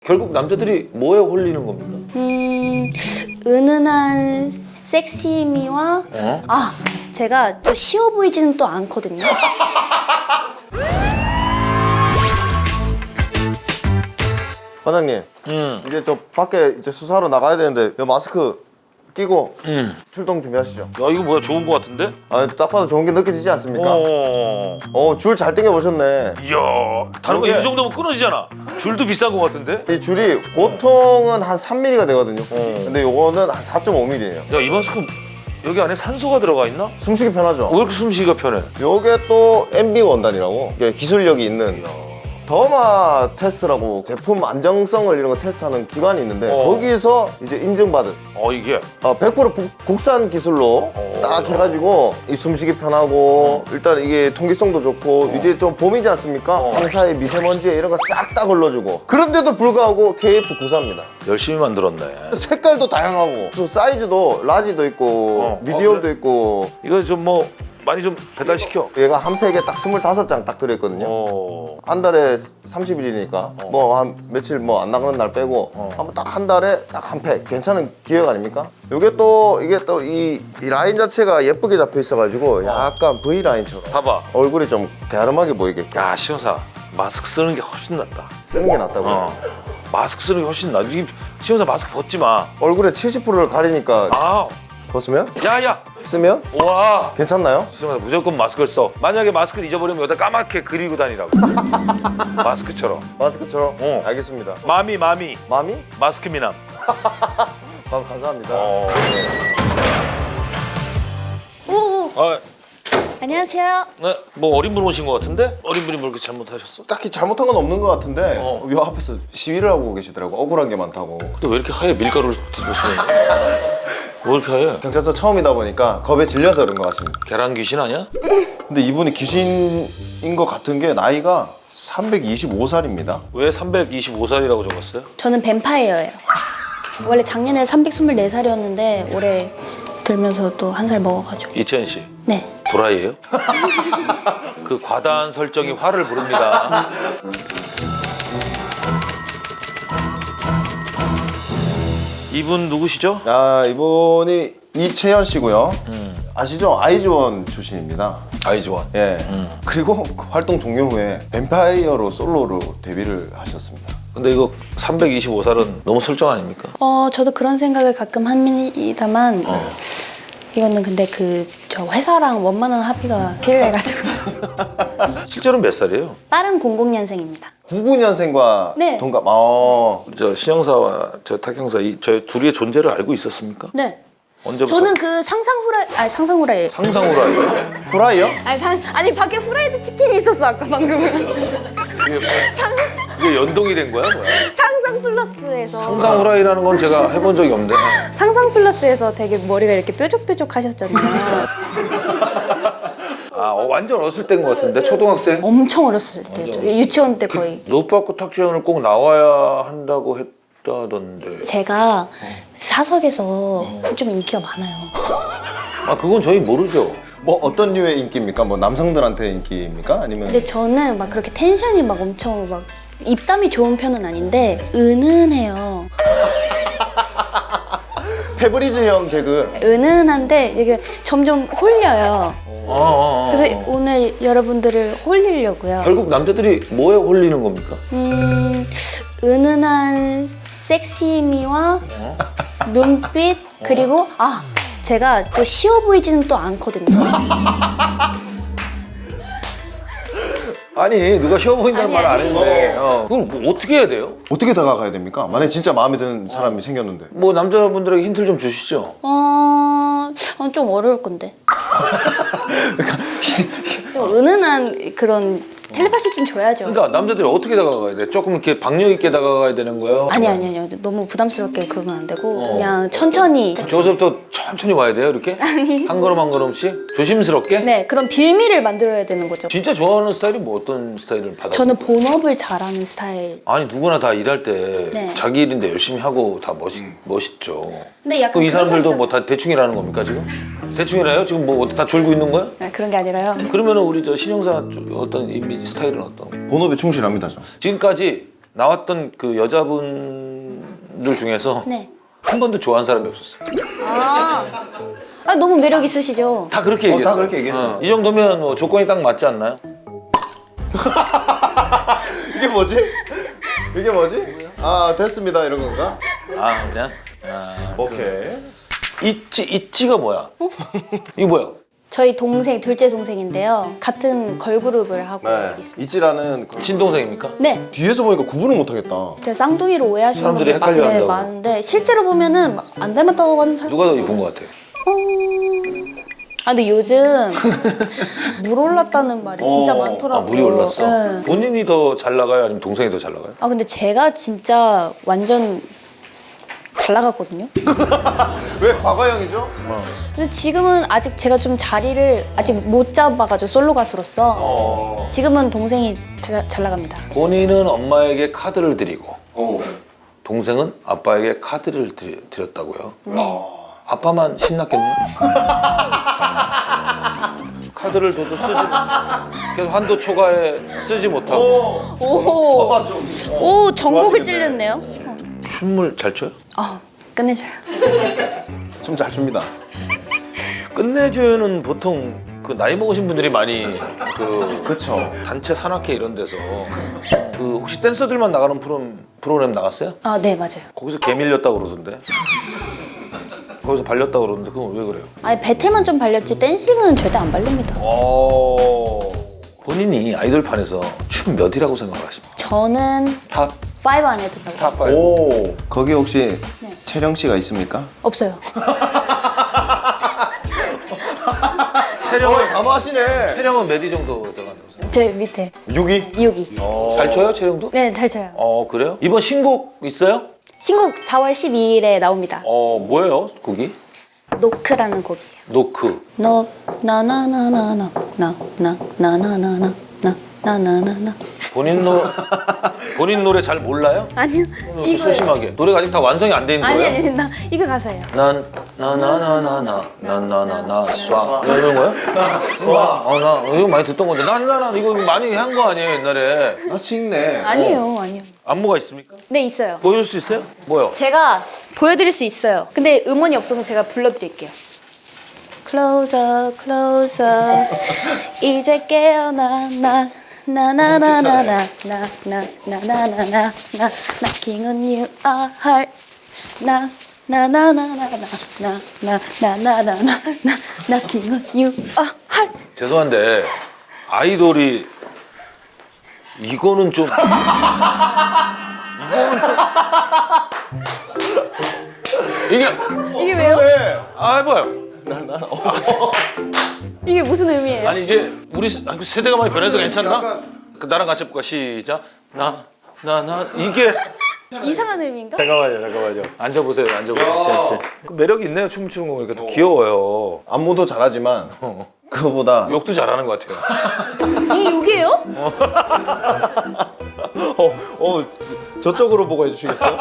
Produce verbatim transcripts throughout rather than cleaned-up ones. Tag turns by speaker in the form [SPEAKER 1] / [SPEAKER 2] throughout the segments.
[SPEAKER 1] 결국 남자들이 뭐에 홀리는 겁니까?
[SPEAKER 2] 음, 은은한 섹시미와
[SPEAKER 1] 어?
[SPEAKER 2] 아, 제가 또 쉬워 보이지는 또 않거든요.
[SPEAKER 3] 과장님,
[SPEAKER 1] 음.
[SPEAKER 3] 이제 저 밖에 이제 수사하러 나가야 되는데 이 마스크 끼고
[SPEAKER 1] 음.
[SPEAKER 3] 출동 준비하시죠.
[SPEAKER 1] 야 이거 뭐야 좋은 거 같은데?
[SPEAKER 3] 아, 딱 봐도 좋은 게 느껴지지 않습니까?
[SPEAKER 1] 어.
[SPEAKER 3] 어, 줄 잘 당겨 보셨네.
[SPEAKER 1] 이야 다른 거
[SPEAKER 3] 저게-
[SPEAKER 1] 이 정도면 끊어지잖아. 줄도 비싼 거 같은데?
[SPEAKER 3] 이 줄이 보통은 한 삼 밀리미터가 되거든요.
[SPEAKER 1] 어. 근데
[SPEAKER 3] 요거는 한 사 점 오 밀리미터예요.
[SPEAKER 1] 야 이 마스크 여기 안에 산소가 들어가 있나?
[SPEAKER 3] 숨쉬기 편하죠.
[SPEAKER 1] 왜 이렇게 숨쉬기가 편해?
[SPEAKER 3] 요게 또 엠비 원단이라고 이게 기술력이 있는
[SPEAKER 1] 이야.
[SPEAKER 3] 더마 테스트라고 제품 안정성을 이런 거 테스트하는 기관이 있는데
[SPEAKER 1] 어.
[SPEAKER 3] 거기서 이제 인증받은
[SPEAKER 1] 어 이게
[SPEAKER 3] 어, 백 퍼센트 국- 국산 기술로
[SPEAKER 1] 어.
[SPEAKER 3] 딱 해가지고 이 숨쉬기 편하고 일단 이게 통기성도 좋고 이제 좀 봄이지 않습니까?
[SPEAKER 1] 어.
[SPEAKER 3] 황사에 미세먼지에 이런 거 싹 다 걸러주고 그런데도 불구하고 케이에프 구십사입니다.
[SPEAKER 1] 열심히 만들었네.
[SPEAKER 3] 색깔도 다양하고 또 사이즈도 라지도 있고
[SPEAKER 1] 어.
[SPEAKER 3] 미디엄도
[SPEAKER 1] 어, 그래?
[SPEAKER 3] 있고
[SPEAKER 1] 이거 좀 뭐 많이 좀 배달시켜.
[SPEAKER 3] 얘가 한 팩에 딱 스물다섯 장 딱 들어있거든요.
[SPEAKER 1] 어.
[SPEAKER 3] 한 달에 삼십 일이니까 뭐 한 며칠 뭐 안 나가는 날 빼고
[SPEAKER 1] 어.
[SPEAKER 3] 한번 딱 한 달에 딱 한 팩 괜찮은 기획 아닙니까? 이게 또 이게 또 이 라인 자체가 예쁘게 잡혀 있어가지고 약간 V 라인처럼
[SPEAKER 1] 봐봐.
[SPEAKER 3] 얼굴이 좀 갸름하게 보이게끔
[SPEAKER 1] 야 시영사 마스크 쓰는 게 훨씬 낫다.
[SPEAKER 3] 쓰는 게 낫다고.
[SPEAKER 1] 어. 마스크 쓰는 게 훨씬 낫. 이 시영사 마스크 벗지 마.
[SPEAKER 3] 얼굴에 칠십 퍼센트를 가리니까
[SPEAKER 1] 아.
[SPEAKER 3] 벗으면
[SPEAKER 1] 야야.
[SPEAKER 3] 쓰면
[SPEAKER 1] 와.
[SPEAKER 3] 괜찮나요?
[SPEAKER 1] 시영사 무조건 마스크를 써. 만약에 마스크를 잊어버리면 여기다 까맣게 그리고 다니라고. 마스크처럼.
[SPEAKER 3] 마스크처럼.
[SPEAKER 1] 어.
[SPEAKER 3] 알겠습니다.
[SPEAKER 1] 마미 마미
[SPEAKER 3] 마미?
[SPEAKER 1] 마스크 미남.
[SPEAKER 3] 감 감사합니다.
[SPEAKER 1] 어.
[SPEAKER 2] 오,
[SPEAKER 1] 아,
[SPEAKER 2] 안녕하세요.
[SPEAKER 1] 네, 뭐 어린 분 오신 것 같은데? 어린 분이 뭐 이렇게 잘못하셨어?
[SPEAKER 3] 딱히 잘못한 건 없는 것 같은데
[SPEAKER 1] 어.
[SPEAKER 3] 요 앞에서 시위를 하고 계시더라고. 억울한 게 많다고.
[SPEAKER 1] 또 왜 이렇게 하얘? 밀가루를 뒤집어쓰는 왜 이렇게 하얘?
[SPEAKER 3] 경찰서 처음이다 보니까 겁에 질려서 그런 것 같습니다.
[SPEAKER 1] 계란 귀신 아니야?
[SPEAKER 3] 근데 이분이 귀신인 것 같은 게 나이가 삼백이십오 살입니다.
[SPEAKER 1] 왜 삼백이십오 살이라고 적었어요?
[SPEAKER 2] 저는 뱀파이어예요. 원래 작년에 삼백이십사 살이었는데 올해 들면서 또 한 살 먹어가지고.
[SPEAKER 1] 이채연 씨
[SPEAKER 2] 네.
[SPEAKER 1] 도라이예요? 그 과다한 설정이 화를 부릅니다. 이분 누구시죠?
[SPEAKER 3] 아, 이분이 이채연 씨고요.
[SPEAKER 1] 음.
[SPEAKER 3] 아시죠? 아이즈원 출신입니다.
[SPEAKER 1] 아이즈원.
[SPEAKER 3] 예. 그리고 활동 종료 후에 뱀파이어로 솔로로 데뷔를 하셨습니다.
[SPEAKER 1] 근데 이거 삼백이십오 살은 너무 설정 아닙니까?
[SPEAKER 2] 어, 저도 그런 생각을 가끔 합니다만
[SPEAKER 1] 어.
[SPEAKER 2] 이거는 근데 그 저 회사랑 원만한 합의가 필요해가지고
[SPEAKER 1] 실제로는 몇 살이에요?
[SPEAKER 2] 빠른 공공년생입니다.
[SPEAKER 3] 구십구 년생과
[SPEAKER 2] 네.
[SPEAKER 3] 동갑. 어.
[SPEAKER 1] 저 신영사와 저 탁형사 이 저희 둘이의 존재를 알고 있었습니까?
[SPEAKER 2] 네.
[SPEAKER 1] 언제부터?
[SPEAKER 2] 저는 그 상상 후라이 아니 상상 후라이
[SPEAKER 1] 상상으로 알고.
[SPEAKER 3] 후라이요?
[SPEAKER 2] 아니 상 아니 밖에 후라이드 치킨이 있었어 아까 방금은
[SPEAKER 1] 이게, 이게 연동이 된 거야, 뭐야?
[SPEAKER 2] 상상 플러스에서
[SPEAKER 1] 상상 후라이라는 건 제가 해본 적이 없는데.
[SPEAKER 2] 상상 플러스에서 되게 머리가 이렇게 뾰족뾰족 하셨잖아요.
[SPEAKER 1] 아, 어, 완전 어렸을 때인 것 같은데 초등학생.
[SPEAKER 2] 엄청 어렸을 때죠. 유치원 때 거의.
[SPEAKER 1] 노빠꾸 탁재현을 꼭 나와야 한다고 했다던데.
[SPEAKER 2] 제가 사석에서 좀 인기가 많아요.
[SPEAKER 1] 아, 그건 저희 모르죠.
[SPEAKER 3] 뭐 어떤 류의 인기입니까? 뭐 남성들한테 인기입니까? 아니면
[SPEAKER 2] 근데 저는 막 그렇게 텐션이 막 엄청 막 입담이 좋은 편은 아닌데 은은해요.
[SPEAKER 3] 페브리즈형 개그.
[SPEAKER 2] 은은한데 이게 점점 홀려요.
[SPEAKER 1] 아, 아, 아.
[SPEAKER 2] 그래서 오늘 여러분들을 홀리려고요.
[SPEAKER 1] 결국 남자들이 뭐에 홀리는 겁니까?
[SPEAKER 2] 음, 은은한 섹시미와 눈빛 그리고 아 제가 또 쉬워 보이지는 또 않거든요.
[SPEAKER 1] 아니, 누가 쉬워 보인다는
[SPEAKER 2] 아니,
[SPEAKER 1] 말 안
[SPEAKER 2] 아니.
[SPEAKER 1] 했는데. 어. 그걸 뭐 어떻게 해야 돼요?
[SPEAKER 3] 어떻게 다가가야 됩니까? 만약에 진짜 마음에 드는 사람이 생겼는데.
[SPEAKER 1] 뭐 남자분들에게 힌트를 좀 주시죠.
[SPEAKER 2] 어, 어, 좀 어려울 건데. 좀 은은한 그런 텔레파시 좀 줘야죠.
[SPEAKER 1] 그러니까 남자들이 어떻게 다가가야 돼? 조금 이렇게 박력 있게 다가가야 되는 거예요?
[SPEAKER 2] 아니 아니 아니요. 너무 부담스럽게 그러면 안 되고 그냥 천천히.
[SPEAKER 1] 저기서부터 천천히 와야 돼요, 이렇게?
[SPEAKER 2] 아니.
[SPEAKER 1] 한 걸음 한 걸음씩? 조심스럽게?
[SPEAKER 2] 네, 그런 빌미를 만들어야 되는 거죠.
[SPEAKER 1] 진짜 좋아하는 스타일이 뭐 어떤 스타일을 받아?
[SPEAKER 2] 저는 본업을 잘하는 스타일.
[SPEAKER 1] 아니 누구나 다 일할 때
[SPEAKER 2] 네.
[SPEAKER 1] 자기 일인데 열심히 하고 다 멋있, 멋있죠.
[SPEAKER 2] 근데 약간
[SPEAKER 1] 그럼 이
[SPEAKER 2] 그런
[SPEAKER 1] 사람들도
[SPEAKER 2] 사람들-
[SPEAKER 1] 뭐 다 대충 일하는 겁니까 지금? 대충 일해요? 지금 뭐 다 졸고 있는 거야?
[SPEAKER 2] 아, 그런 게 아니라요.
[SPEAKER 1] 그러면은 우리 저 신영사 쪽 어떤 이미지 스타일은 어떤?
[SPEAKER 3] 본업에 충실합니다, 저.
[SPEAKER 1] 지금까지 나왔던 그 여자분들 중에서
[SPEAKER 2] 네.
[SPEAKER 1] 한 번도 좋아하는 사람이 없었어요.
[SPEAKER 2] 아, 아 너무 매력 있으시죠?
[SPEAKER 1] 다 그렇게
[SPEAKER 3] 어,
[SPEAKER 1] 얘기했어요.
[SPEAKER 3] 다 그렇게 얘기했어요.
[SPEAKER 1] 이 정도면 뭐 조건이 딱 맞지 않나요?
[SPEAKER 3] 이게 뭐지? 이게 뭐지? 아 됐습니다 이런 건가?
[SPEAKER 1] 아 그냥 아,
[SPEAKER 3] 오케이.
[SPEAKER 1] 있지 있지가 뭐야? 이거 뭐야?
[SPEAKER 2] 저희 동생, 둘째 동생인데요. 같은 걸그룹을 하고
[SPEAKER 3] 네.
[SPEAKER 2] 있습니다.
[SPEAKER 3] 이지라는 그-
[SPEAKER 1] 친동생입니까?
[SPEAKER 2] 네.
[SPEAKER 3] 뒤에서 보니까 구분을 못하겠다.
[SPEAKER 2] 제가 쌍둥이로 오해하시는
[SPEAKER 1] 사람들이
[SPEAKER 2] 분들 많,
[SPEAKER 1] 헷갈려
[SPEAKER 2] 네,
[SPEAKER 1] 한다고.
[SPEAKER 2] 많은데 실제로 보면은 막 안 닮았다고 하는 사람.
[SPEAKER 1] 누가 더 이쁜 것 같아요?
[SPEAKER 2] 아 근데 요즘 물 올랐다는 말이 진짜
[SPEAKER 3] 어,
[SPEAKER 2] 많더라고요.
[SPEAKER 1] 아 물이 올랐어.
[SPEAKER 2] 네.
[SPEAKER 1] 본인이 더 잘 나가요? 아니면 동생이 더 잘 나가요?
[SPEAKER 2] 아 근데 제가 진짜 완전 잘 나갔거든요.
[SPEAKER 3] 왜 과거형이죠?
[SPEAKER 2] 근데 지금은 아직 제가 좀 자리를 아직 못 잡아가지고 솔로 가수로서
[SPEAKER 1] 어.
[SPEAKER 2] 지금은 동생이 자, 잘 나갑니다.
[SPEAKER 1] 본인은 엄마에게 카드를 드리고
[SPEAKER 3] 어.
[SPEAKER 1] 동생은 아빠에게 카드를 드리, 드렸다고요?
[SPEAKER 2] 네.
[SPEAKER 1] 아빠만 신났겠네요? 카드를 줘도 쓰지 계속 한도 초과에 쓰지 못하고
[SPEAKER 2] 오,
[SPEAKER 3] 아빠 좀.
[SPEAKER 2] 오 전곡을
[SPEAKER 3] 좋아지겠네.
[SPEAKER 2] 찔렸네요.
[SPEAKER 1] 춤을 잘 춰요?
[SPEAKER 2] 아 끝내줘요.
[SPEAKER 3] 춤 잘 춥니다.
[SPEAKER 1] 끝내주는 보통 그 나이 먹으신 분들이 많이 그
[SPEAKER 3] 그쵸.
[SPEAKER 1] 단체 산악회 이런 데서 그 혹시 댄서들만 나가는 프로그램, 프로그램 나갔어요?
[SPEAKER 2] 아 네 맞아요.
[SPEAKER 1] 거기서 개 밀렸다고 그러던데 거기서 발렸다고 그러는데 그건 왜 그래요?
[SPEAKER 2] 아니 배틀만 좀 발렸지 댄싱은 절대 안 발립니다.
[SPEAKER 3] 오.
[SPEAKER 1] 본인이 아이돌판에서 춤 몇이라고 생각하십니까?
[SPEAKER 2] 저는
[SPEAKER 1] 탑?
[SPEAKER 2] 파이브 안에 든다고.
[SPEAKER 1] 탑 파이브?
[SPEAKER 3] 오. 거기 혹시
[SPEAKER 2] 네.
[SPEAKER 3] 채령 씨가 있습니까?
[SPEAKER 2] 없어요.
[SPEAKER 1] 체력은,
[SPEAKER 3] 가마하시네.
[SPEAKER 1] 체력은 몇 위 정도 들어간다고 생각해요?
[SPEAKER 2] 제 밑에
[SPEAKER 3] 육 위.
[SPEAKER 2] 이육이.
[SPEAKER 1] 잘 쳐요 체력도?
[SPEAKER 2] 네 잘 쳐요.
[SPEAKER 1] 어 그래요? 이번 신곡 있어요?
[SPEAKER 2] 신곡 사월 십이일에 나옵니다.
[SPEAKER 1] 어 뭐예요 곡이?
[SPEAKER 2] 노크라는 곡이에요.
[SPEAKER 1] 노크.
[SPEAKER 2] 너 나나나나나 나나나나나나 나나나나나.
[SPEAKER 1] 본인 노 본인 노래 잘 몰라요?
[SPEAKER 2] 아니요 이거
[SPEAKER 1] 소심하게 노래가 아직 다 완성이 안 돼 있는
[SPEAKER 2] 아니
[SPEAKER 1] 거예요?
[SPEAKER 2] 아니 나 이거 가사예요.
[SPEAKER 1] 난 나나나나나 나나나나 쏴 이런 거요?
[SPEAKER 3] 와.
[SPEAKER 1] 어나 이거 많이 듣던 건데 나나나 이거 많이 한 거 아니에요 옛날에?
[SPEAKER 3] 나 칭네.
[SPEAKER 2] 아니에요 아니요.
[SPEAKER 1] 안무가 있습니까?
[SPEAKER 2] 네 있어요.
[SPEAKER 1] 보여줄 수 있어요? 뭐요?
[SPEAKER 2] 제가 보여드릴 수 있어요. 근데 음원이 없어서 제가 불러드릴게요. Closer, closer. 이제 깨어나 나 나나나나나 나나나나나나 나 Knocking on you a heart 나 나나나나나 나나나나나나 나 Knocking on you a heart.
[SPEAKER 1] 죄송한데 아이돌이 이거는 좀 이거는 좀 이게
[SPEAKER 2] 이게 왜요?
[SPEAKER 3] 네.
[SPEAKER 1] 아 해봐요.
[SPEAKER 2] 이게 무슨 의미예요?
[SPEAKER 1] 아니 이게 우리 세- 아, 세대가 많이 변해서 괜찮나?
[SPEAKER 3] 약간-
[SPEAKER 1] 그 나랑 같이 해볼까? 시작. 나 나 나 이게
[SPEAKER 2] 이상한 의미인가?
[SPEAKER 1] 잠깐만요, 잠깐만요. 앉아보세요, 앉아보세요, 지현 씨. 그 매력이 있네요, 춤을 추는 거 보니까 또 귀여워요.
[SPEAKER 3] 안무도 잘하지만
[SPEAKER 1] 어.
[SPEAKER 3] 그거보다
[SPEAKER 1] 욕도 잘하는 것 같아요.
[SPEAKER 2] 이게 욕이에요?
[SPEAKER 3] 어, 어 저쪽으로 보고 해주시겠어요?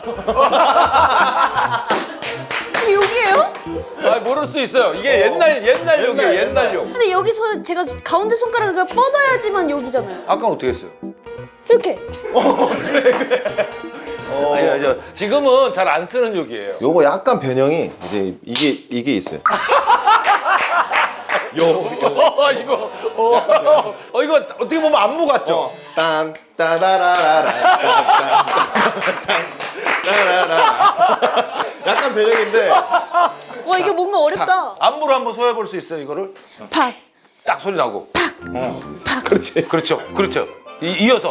[SPEAKER 2] 이게 욕이에요?
[SPEAKER 1] 아 모를 수 있어요. 이게 옛날 옛날 욕이에요,
[SPEAKER 3] 옛날,
[SPEAKER 1] 옛날 욕.
[SPEAKER 2] 근데 여기서 제가 가운데 손가락을 뻗어야지만 욕이잖아요.
[SPEAKER 1] 아까 어떻게 했어요?
[SPEAKER 2] 이렇게.
[SPEAKER 1] 아니, 아니, 저, 지금은 잘 안 쓰는 욕이에요.
[SPEAKER 3] 요거 약간 변형이 이제 이게 이게 있어요. 요, 요.
[SPEAKER 1] 어, 이거, 어, 어, 이거 어떻게 보면 안무 같죠?
[SPEAKER 3] 딴 따다라라라 딴따라라 약간 변형인데
[SPEAKER 2] 와 이게 뭔가 어렵다.
[SPEAKER 1] 안무로 한번 소화해볼 수 있어요, 이거를?
[SPEAKER 2] 팍.
[SPEAKER 1] 딱 소리 나고.
[SPEAKER 2] 팍.
[SPEAKER 3] 그렇지.
[SPEAKER 1] 그렇죠, 그렇죠. 이, 이어서.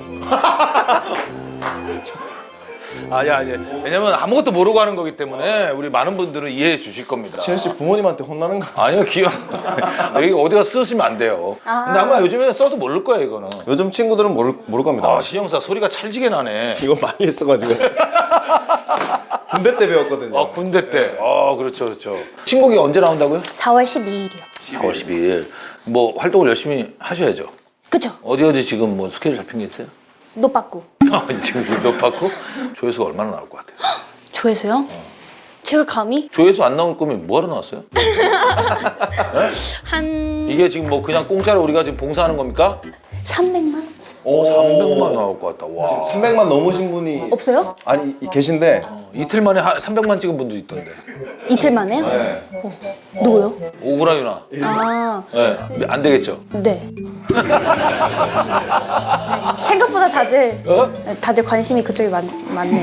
[SPEAKER 1] 아니 아니. 왜냐면 아무것도 모르고 하는 거기 때문에 우리 많은 분들은 이해해 주실 겁니다.
[SPEAKER 3] 지현 씨 부모님한테 혼나는 거.
[SPEAKER 1] 아니요, 귀여워. 여기 어디가 쓰시면 안 돼요.
[SPEAKER 2] 아.
[SPEAKER 1] 근데 아마 요즘에는 써도 모를 거야, 이거는.
[SPEAKER 3] 요즘 친구들은 모를 모를 겁니다.
[SPEAKER 1] 아, 신영사 소리가 찰지게 나네.
[SPEAKER 3] 이거 많이 했어가지고 군대 때 배웠거든요.
[SPEAKER 1] 아, 군대 때. 아, 그렇죠, 그렇죠. 신곡이 언제 나온다고요?
[SPEAKER 2] 사월 십이일이요.
[SPEAKER 1] 사월 십이일. 뭐 활동을 열심히 하셔야죠.
[SPEAKER 2] 그쵸?
[SPEAKER 1] 어디 어디 지금 뭐 스케줄 잡힌 게 있어요?
[SPEAKER 2] 노빠꾸.
[SPEAKER 1] 아, 지금 지금 높았고 조회수가 얼마나 나올 것 같아요?
[SPEAKER 2] 조회수요? 제가 감히
[SPEAKER 1] 조회수 안 나올 거면 뭐하러 나왔어요?
[SPEAKER 2] 한
[SPEAKER 1] 이게 지금 뭐 그냥 공짜로 우리가 지금 봉사하는 겁니까?
[SPEAKER 2] 삼백만?
[SPEAKER 1] 삼백만 나올 것 같다. 와.
[SPEAKER 3] 삼백만 넘으신 분이
[SPEAKER 2] 없어요?
[SPEAKER 3] 아니 이- 계신데
[SPEAKER 1] 이틀 만에 한 삼백만 찍은 분도 있던데.
[SPEAKER 2] 이틀 만에요? 어. 누구요?
[SPEAKER 1] 오구라 유나.
[SPEAKER 2] 아,
[SPEAKER 1] 네. 안 되겠죠?
[SPEAKER 2] 네. 생각보다 다들
[SPEAKER 1] 어?
[SPEAKER 2] 다들 관심이 그쪽에 많, 많네요.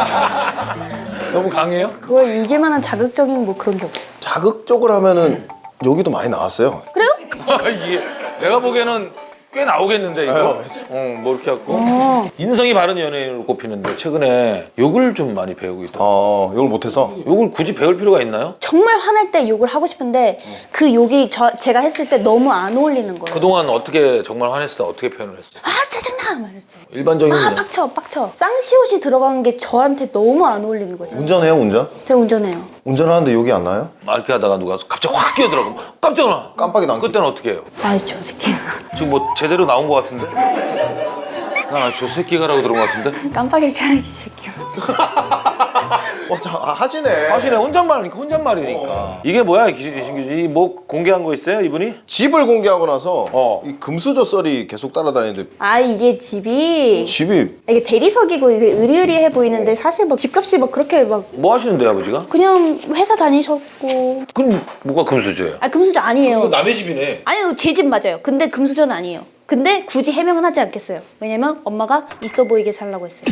[SPEAKER 1] 너무 강해요?
[SPEAKER 2] 그걸 이길 만한 자극적인 뭐 그런 게 없어요.
[SPEAKER 3] 자극적으로 하면은 여기도 많이 나왔어요.
[SPEAKER 2] 그래요?
[SPEAKER 1] 이게 내가 보기에는 꽤 나오겠는데 이거. 어, 뭐 이렇게 갖고
[SPEAKER 2] 어.
[SPEAKER 1] 인성이 바른 연예인으로 꼽히는데 최근에 욕을 좀 많이 배우고 있다.
[SPEAKER 3] 어, 이걸 못해서
[SPEAKER 1] 욕을 굳이 배울 필요가 있나요?
[SPEAKER 2] 정말 화날 때 욕을 하고 싶은데 그 욕이 저, 제가 했을 때 너무 안 어울리는 거예요.
[SPEAKER 1] 그동안 어떻게 정말 화냈을 때 어떻게 표현을 했어요?
[SPEAKER 2] 아 짜증나! 말했죠.
[SPEAKER 1] 일반적인
[SPEAKER 2] 아
[SPEAKER 1] 그냥
[SPEAKER 2] 빡쳐 빡쳐. 쌍시옷이 들어간 게 저한테 너무 안 어울리는 거죠.
[SPEAKER 3] 운전해요 운전?
[SPEAKER 2] 제가 운전해요.
[SPEAKER 3] 운전하는데 욕이 안 나요?
[SPEAKER 1] 막 이렇게 하다가 누가 갑자기 확 끼어들어가 깜짝 놀라.
[SPEAKER 3] 깜빡이도 안
[SPEAKER 1] 그때는 어떻게 해요?
[SPEAKER 2] 아이 저 새끼.
[SPEAKER 1] 지금 뭐 제대로 나온 것 같은데? 나저 새끼가라고 들은 것 같은데?
[SPEAKER 2] 깜빡이를 켜야지 이 새끼.
[SPEAKER 3] 어, 자, 아, 하시네.
[SPEAKER 1] 하시네 혼잣말이니까 혼잣말이니까 이게 뭐야 신규지? 뭐 공개한 거 있어요 이분이?
[SPEAKER 3] 집을 공개하고 나서
[SPEAKER 1] 어.
[SPEAKER 3] 이 금수저 썰이 계속 따라다니는데
[SPEAKER 2] 아 이게 집이
[SPEAKER 3] 집이
[SPEAKER 2] 이게 대리석이고 이게 으리으리해 보이는데 사실 막 집값이 막 그렇게 막
[SPEAKER 1] 뭐 하시는데요 아버지가?
[SPEAKER 2] 그냥 회사 다니셨고.
[SPEAKER 1] 그럼 뭐가 금수저예요?
[SPEAKER 2] 아 금수저 아니에요.
[SPEAKER 1] 남의 집이네.
[SPEAKER 2] 아니요 제 집 맞아요. 근데 금수저는 아니에요. 근데 굳이 해명은 하지 않겠어요. 왜냐면 엄마가 있어 보이게 살라고 했어요.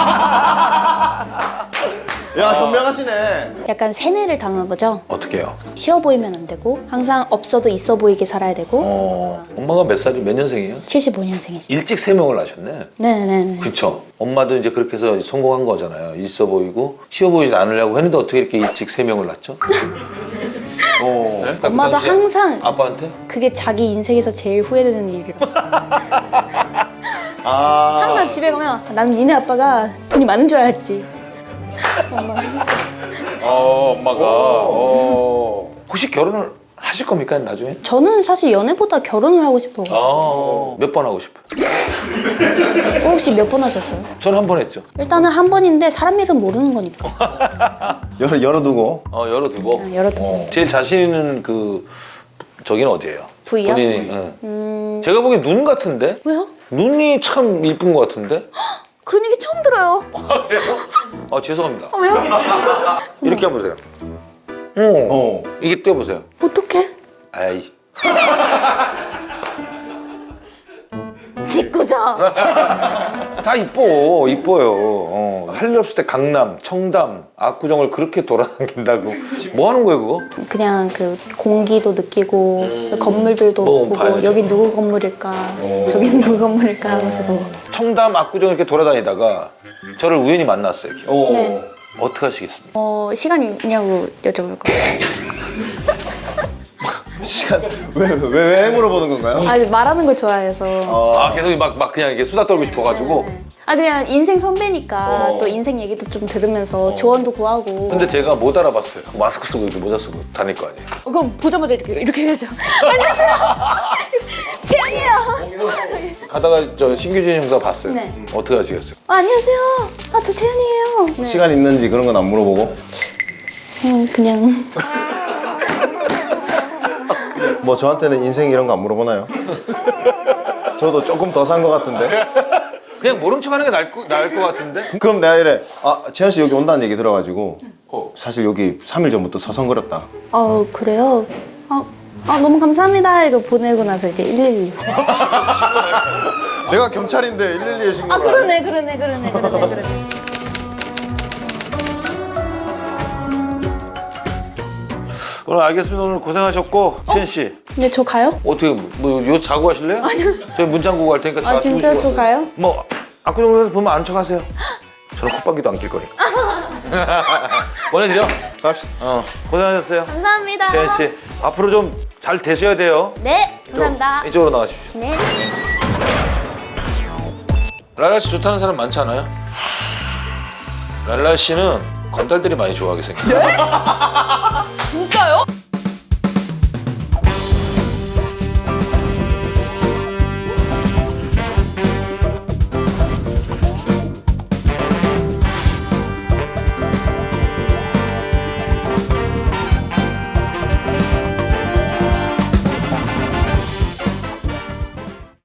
[SPEAKER 3] 야 현명하시네.
[SPEAKER 2] 약간 세뇌를 당한 거죠.
[SPEAKER 1] 어떻게 해요?
[SPEAKER 2] 쉬어 보이면 안 되고 항상 없어도 있어 보이게 살아야 되고.
[SPEAKER 1] 어, 엄마가 몇 살이 몇 년생이에요?
[SPEAKER 2] 칠십오 년생이시.
[SPEAKER 1] 일찍 세명을 하셨네.
[SPEAKER 2] 네네네.
[SPEAKER 1] 그렇죠. 엄마도 이제 그렇게 해서 성공한 거잖아요. 있어 보이고 쉬어 보이지 않으려고 했는데 어떻게 이렇게 일찍 세 명을 낳죠?
[SPEAKER 3] 어.
[SPEAKER 1] 네?
[SPEAKER 2] 엄마도
[SPEAKER 1] 그 당시에
[SPEAKER 2] 항상
[SPEAKER 1] 아빠한테?
[SPEAKER 2] 그게 자기 인생에서 제일 후회되는 일이에요.
[SPEAKER 3] 아.
[SPEAKER 2] 항상 집에 가면 나는 니네 아빠가 돈이 많은 줄 알았지. 엄마.
[SPEAKER 1] 어, 엄마가. 어. 혹시 결혼을 하실 겁니까 나중에?
[SPEAKER 2] 저는 사실 연애보다 결혼을 하고 싶어요.
[SPEAKER 1] 아, 몇 번 하고 싶어요?
[SPEAKER 2] 혹시 몇 번 하셨어요?
[SPEAKER 1] 저는 한 번 했죠.
[SPEAKER 2] 일단은 한 번인데 사람 일은 모르는 거니까.
[SPEAKER 3] 열 열어두고.
[SPEAKER 1] 어, 열어두고.
[SPEAKER 2] 아, 열어두고.
[SPEAKER 1] 어. 제일 자신 있는 그 저기는 어디예요?
[SPEAKER 2] 부위요?
[SPEAKER 1] 본인이. 응.
[SPEAKER 2] 음,
[SPEAKER 1] 제가 보기엔 눈 같은데?
[SPEAKER 2] 왜요?
[SPEAKER 1] 눈이 참 이쁜 것 같은데?
[SPEAKER 2] 그런 얘기 처음 들어요.
[SPEAKER 1] 아 죄송합니다.
[SPEAKER 2] 아, 왜요?
[SPEAKER 1] 이렇게 해보세요. 어.
[SPEAKER 3] 어.
[SPEAKER 1] 이게 떼어보세요.
[SPEAKER 2] 어떡해?
[SPEAKER 1] 아이.
[SPEAKER 2] 짓궂어.
[SPEAKER 1] 다 이뻐, 이뻐요. 어. 할 일 없을 때 강남, 청담, 압구정을 그렇게 돌아다닌다고. 뭐 하는 거예요, 그거?
[SPEAKER 2] 그냥 그 공기도 느끼고 건물들도
[SPEAKER 1] 뭐
[SPEAKER 2] 보고
[SPEAKER 1] 봐야죠.
[SPEAKER 2] 여기 누구 건물일까 저긴 누구 건물일까 하면서 보고.
[SPEAKER 1] 청담, 압구정 이렇게 돌아다니다가 저를 우연히 만났어요. 이렇게.
[SPEAKER 3] 어.
[SPEAKER 2] 네.
[SPEAKER 1] 어떻게 하시겠습니까?
[SPEAKER 2] 어 시간 있냐고 여쭤볼 거예요.
[SPEAKER 3] 시간 왜왜 왜, 왜 물어보는 건가요?
[SPEAKER 2] 아 말하는 걸 좋아해서.
[SPEAKER 1] 아, 계속 막, 막 그냥 이게 수다 떨고 싶어가지고.
[SPEAKER 2] 아 그냥 인생 선배니까
[SPEAKER 1] 어.
[SPEAKER 2] 또 인생 얘기도 좀 들으면서 조언도 구하고.
[SPEAKER 1] 근데 제가 못 알아봤어요. 마스크 쓰고 이렇게 모자 쓰고 다닐 거 아니에요.
[SPEAKER 2] 어, 그럼 보자마자 이렇게 이렇게 해야죠. 안녕하세요. 채연이에요.
[SPEAKER 1] 가다가 저 신규진 형사 봤어요.
[SPEAKER 2] 네.
[SPEAKER 1] 어떻게 하시겠어요?
[SPEAKER 2] 아, 안녕하세요. 아 저 채연이에요. 네.
[SPEAKER 3] 시간 있는지 그런 건 안 물어보고.
[SPEAKER 2] 음, 그냥
[SPEAKER 3] 뭐 저한테는 인생 이런 거 안 물어보나요? 저도 조금 더 산 것 같은데.
[SPEAKER 1] 그냥 모른 척 하는 게 나을, 거, 나을 것 같은데?
[SPEAKER 3] 그럼 내가 이래. 아 재현 씨 여기 온다는 얘기 들어가지고
[SPEAKER 1] 어.
[SPEAKER 3] 사실 여기 삼 일 전부터 서성거렸다.
[SPEAKER 2] 어 그래요. 아, 아 너무 감사합니다. 이거 보내고 나서 이제 일일이.
[SPEAKER 3] 내가 경찰인데 일일이에 신고를
[SPEAKER 2] 아
[SPEAKER 3] 안 해.
[SPEAKER 2] 그러네 그러네 그러네 그러네 그러네.
[SPEAKER 1] 오늘 알겠습니다. 오늘 고생하셨고 시현 씨
[SPEAKER 2] 근데 저 가요?
[SPEAKER 1] 어떻게 뭐요 자고 가실래요? 아니요. 저희 문 잠그고 갈 테니까
[SPEAKER 2] 아
[SPEAKER 1] 다
[SPEAKER 2] 진짜
[SPEAKER 1] 주무시고
[SPEAKER 2] 저 가요?
[SPEAKER 1] 뭐 압구정에서 보면 안 척하세요. 저는 콧방귀도 안 낄 거니까. 보내드려.
[SPEAKER 3] 갑시다.
[SPEAKER 1] 어 고생하셨어요.
[SPEAKER 2] 감사합니다.
[SPEAKER 1] 시현 씨 앞으로 좀 잘 되셔야 돼요.
[SPEAKER 2] 네 감사합니다.
[SPEAKER 1] 이쪽으로 나가십시오.
[SPEAKER 2] 네.
[SPEAKER 1] 랄라 씨 좋다는 사람 많지 않아요? 랄라 씨는 건달들이 많이 좋아하게 생겼어요.